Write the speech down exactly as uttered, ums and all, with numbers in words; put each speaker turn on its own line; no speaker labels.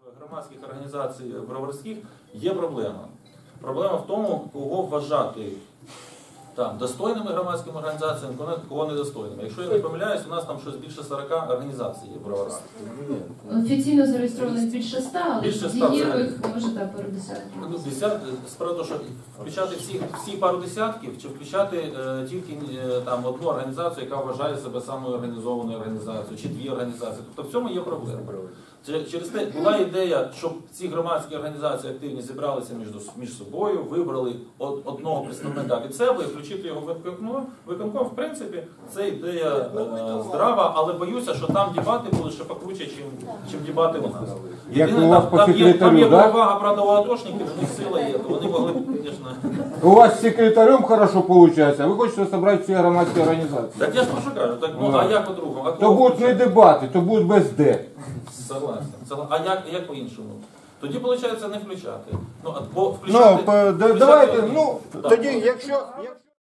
Громадських організацій броварських є проблема. Проблема в тому, кого вважати там достойними громадськими організаціями, кого недостойними. Якщо я не помиляюсь, у нас там щось більше сорока організацій є в Броварах.
Офіційно зареєстрованих більше ста, але
Більше ста,
дієвих може так пару десятків.
Ну, десят, справа того, що включати всі, всі пару десятків, чи включати е, тільки е, там, одну організацію, яка вважає себе самою організованою організацією, чи дві організації. Тобто в цьому є проблема. Через те була ідея, щоб ці громадські організації активні зібралися між, між собою, вибрали од, одного представника від себе і включити його в виконком. Виконком, в принципі, це ідея е, здрава, але боюся, що там дебати будуть ще покруче, чим, чим дебати у нас. Єдине, там, там, є, там є перевага, правда, у атошників, у них сила є, то вони могли б, звісно...
У вас з секретарем хорошо виходить, а ви хочете зібрати всі громадські організації.
Так я ж прошу кажу, так, ну, а як по-другому?
То будуть не дебати, то будуть без де.
Согласен. А як, як по-іншому? Тоді, виходить, не включати. Ну, бо включати...
Ну, давайте, ну, тоді, якщо...